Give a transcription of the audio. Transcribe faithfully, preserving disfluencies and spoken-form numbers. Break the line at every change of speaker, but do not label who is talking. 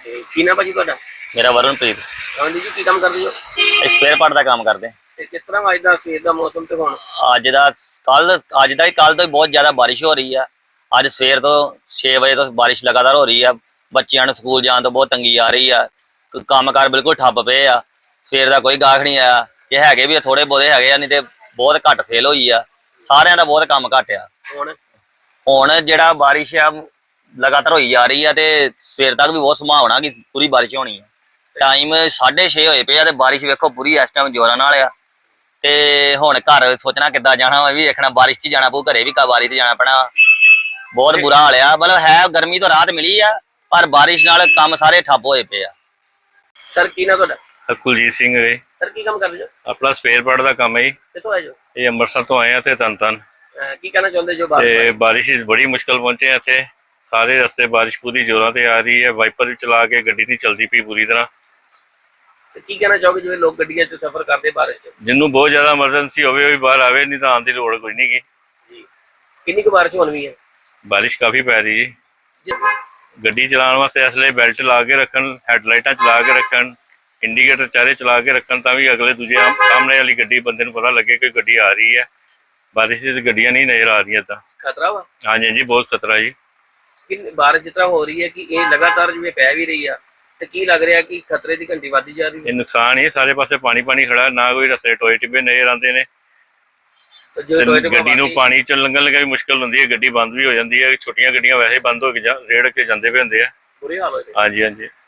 ਤੇ ਕੀ ਨਾਮ ਭਾਜੀ ਤੁਹਾਡਾ?
ਮੇਰਾ ਵਰੁਣਪ੍ਰੀਤ।
ਹਾਂਜੀ ਜੀ, ਕੀ ਕੰਮ ਕਰਦੇ ਹੋ?
ਸਪੇਅਰ ਪਾਰਟ ਦਾ ਕੰਮ ਕਰਦੇ।
ਤੇ ਕਿਸ ਤਰ੍ਹਾਂ ਅੱਜ ਦਾ ਸਵੇਰ ਦਾ ਮੌਸਮ ਤੇ ਹੁਣ?
ਅੱਜ ਦਾ ਕੱਲ ਅੱਜ ਦਾ ਹੀ ਕੱਲ ਤੋਂ ਹੀ ਬਹੁਤ ਜ਼ਿਆਦਾ ਬਾਰਿਸ਼ ਹੋ ਰਹੀ ਆ। ਅੱਜ ਸਵੇਰ ਤੋਂ ਛੇ ਵਜੇ ਤੋਂ ਬਾਰਿਸ਼ ਲਗਾਤਾਰ ਹੋ ਰਹੀ ਆ। ਬੱਚਿਆਂ ਨੂੰ ਸਕੂਲ ਜਾਣ ਤੋਂ ਬਹੁਤ ਤੰਗੀ ਆ ਰਹੀ ਆ। ਕੰਮ ਕਾਰ ਬਿਲਕੁਲ ਠੱਪ ਪਏ ਆ। ਸਵੇਰ ਦਾ ਕੋਈ ਗਾਹਕ ਨਹੀਂ ਆਇਆ। ਇਹ ਹੈਗੇ ਵੀ ਥੋੜੇ ਬਹੁਤੇ ਹੈਗੇ ਆ, ਨਹੀਂ ਤੇ ਬਹੁਤ ਘੱਟ ਸੇਲ ਹੋਈ ਆ। ਸਾਰਿਆਂ ਦਾ ਬਹੁਤ ਕੰਮ ਘੱਟ ਆ।
ਹੁਣ
ਹੁਣ ਜਿਹੜਾ ਬਾਰਿਸ਼ ਆ ਲਗਾਤਾਰ ਹੋਈ ਜਾ ਰਹੀ ਆ ਤੇ ਸਵੇਰ ਤੱਕ ਵੀ ਬਹੁਤ ਸੰਭਾਵਨਾ ਕਿ ਪੂਰੀ ਬਾਰਿਸ਼ ਹੋਣੀ ਆ। ਟਾਈਮ ਸਾਢੇ ਛੇ ਹੋਏ ਪਏ ਆ ਤੇ ਬਾਰਿਸ਼ ਵੇਖੋ ਪੂਰੀ ਇਸ ਟਾਈਮ ਜ਼ੋਰਾਂ ਨਾਲ ਆ। ਤੇ ਹੁਣ ਘਰ ਸੋਚਣਾ ਕਿੱਦਾਂ ਜਾਣਾ ਵਾ, ਵੀ ਵੇਖਣਾ ਬਾਰਿਸ਼ 'ਚ ਜਾਣਾ ਪਊ, ਘਰੇ ਵੀ ਬਾਰਿਸ਼ 'ਚ ਜਾਣਾ ਪੈਣਾ। ਬਹੁਤ ਬੁਰਾ ਹਾਲ ਆ। ਮਤਲਬ ਹੈ ਗਰਮੀ ਤੋਂ ਰਾਹਤ ਮਿਲੀ ਆ, ਪਰ ਬਾਰਿਸ਼ ਨਾਲ ਕੰਮ ਸਾਰੇ ਠੱਪ ਹੋਏ ਪਏ ਆ।
ਸਰ ਕੀ ਨਾਮ ਤੁਹਾਡਾ?
ਕੁਲਜੀਤ ਸਿੰਘ ਹੈ।
ਸਰ ਕੀ ਕੰਮ ਕਰਦੇ ਹੋ?
ਆਪਣਾ ਸਪੇਅਰ ਪਾਰਟ ਦਾ ਕੰਮ ਹੈ ਜੀ।
ਕਿੱਥੋਂ ਆਏ ਜੋ?
ਇਹ ਅੰਮ੍ਰਿਤਸਰ ਤੋਂ ਆਏ ਆ ਤੇ ਤਨ ਤਨ
ਕੀ ਕਹਿਣਾ ਚਾਹੁੰਦੇ ਜੋ?
ਤੇ ਬਾਰਿਸ਼ ਬੜੀ ਮੁਸ਼ਕਲ ਪਹੁੰਚੇ ਆ ਇੱਥੇ। ਸਾਰੇ ਰਸਤੇ ਬਾਰਿਸ਼ ਪੂਰੀ ਜ਼ੋਰਾਂ ਤੇ ਆ ਰਹੀ ਹੈ। ਵਾਈਪਰ ਵੀ ਚਲਾ ਕੇ ਗੱਡੀ ਨਹੀਂ ਚੱਲਦੀ ਪਈ ਪੂਰੀ ਤਰ੍ਹਾਂ।
ਤੇ ਕੀ ਕਹਿਣਾ ਚਾਹੋਗੇ ਜਿਵੇਂ ਲੋਕ ਗੱਡੀਆਂ 'ਚ ਸਫ਼ਰ ਕਰਦੇ ਬਾਰਿਸ਼ 'ਚ?
ਜਿਹਨੂੰ ਬਹੁਤ ਜ਼ਿਆਦਾ ਐਮਰਜੈਂਸੀ ਹੋਵੇ ਉਹ ਵੀ ਬਾਹਰ ਆਵੇ, ਨਹੀਂ ਤਾਂ ਆਉਣ ਦੀ ਲੋੜ ਕੋਈ ਨਹੀਂ ਗੀ
ਜੀ। ਕਿੰਨੀ ਕੁ ਬਾਰਿਸ਼ ਹੋਣ ਵੀ ਹੈ?
ਬਾਰਿਸ਼ ਕਾਫੀ ਪੈ ਰਹੀ ਜੀ।
ਜੀ।
ਗੱਡੀ ਚਲਾਉਣ ਵਾਸਤੇ ਇਸ ਲਈ ਬੈਲਟ ਲਾ ਕੇ ਰੱਖਣ, ਹੈਡਲਾਈਟਾਂ ਚਲਾ ਕੇ ਰੱਖਣ, ਇੰਡੀਕੇਟਰ ਚਾਰੇ ਚਲਾ ਕੇ ਰੱਖਣ, ਤਾਂ ਵੀ ਅਗਲੇ ਦੂਜੇ ਸਾਹਮਣੇ ਵਾਲੀ ਗੱਡੀ ਬੰਦੇ ਨੂੰ ਪਤਾ ਲੱਗੇ ਕਿ ਗੱਡੀ ਆ ਰਹੀ ਹੈ। ਬਾਰਿਸ਼ 'ਚ ਗੱਡੀਆਂ ਨਹੀਂ ਨਜ਼ਰ ਆ ਰਹੀਆਂ ਤਾਂ
ਖਤਰਾ ਵਾ?
ਹਾਂਜੀ ਹਾਂਜੀ, ਬਹੁਤ ਖਤਰਾ ਜੀ।
ਕਿ ਬਾਰਿਸ਼ ਜਿਸ ਤਰ੍ਹਾਂ ਹੋ ਰਹੀ ਹੈ ਕਿ ਇਹ ਲਗਾਤਾਰ ਜਿਵੇਂ ਪੈ ਵੀ ਰਹੀ ਆ, ਤੇ ਕੀ ਲੱਗ ਰਿਹਾ ਕਿ ਖਤਰੇ ਦੀ ਘੰਟੀ ਵੱਧਦੀ ਜਾ ਰਹੀ ਹੈ?
ਇਹ ਨੁਕਸਾਨ ਹੀ ਸਾਰੇ ਪਾਸੇ ਪਾਣੀ ਪਾਣੀ ਖੜਾ, ਨਾ ਕੋਈ ਰਸਤੇ ਟੋਏ ਟਿੱਬੇ ਨਜ਼ਰ ਆਉਂਦੇ ਨੇ। ਗੱਡੀ ਨੂੰ ਪਾਣੀ ਚ ਲੰਘਣ ਲੱਗਾ ਵੀ ਮੁਸ਼ਕਲ ਹੁੰਦੀ ਹੈ, ਗੱਡੀ ਬੰਦ ਵੀ ਹੋ ਜਾਂਦੀ ਹੈ। ਛੋਟੀਆਂ ਗੱਡੀਆਂ ਵੈਸੇ ਬੰਦ ਹੋ ਕੇ ਰੇੜ ਕੇ ਜਾਂਦੇ ਪਏ ਹੁੰਦੇ ਆ।
ਬੁਰੇ ਹਾਲ ਹੋਏ।
ਹਾਂਜੀ ਹਾਂਜੀ।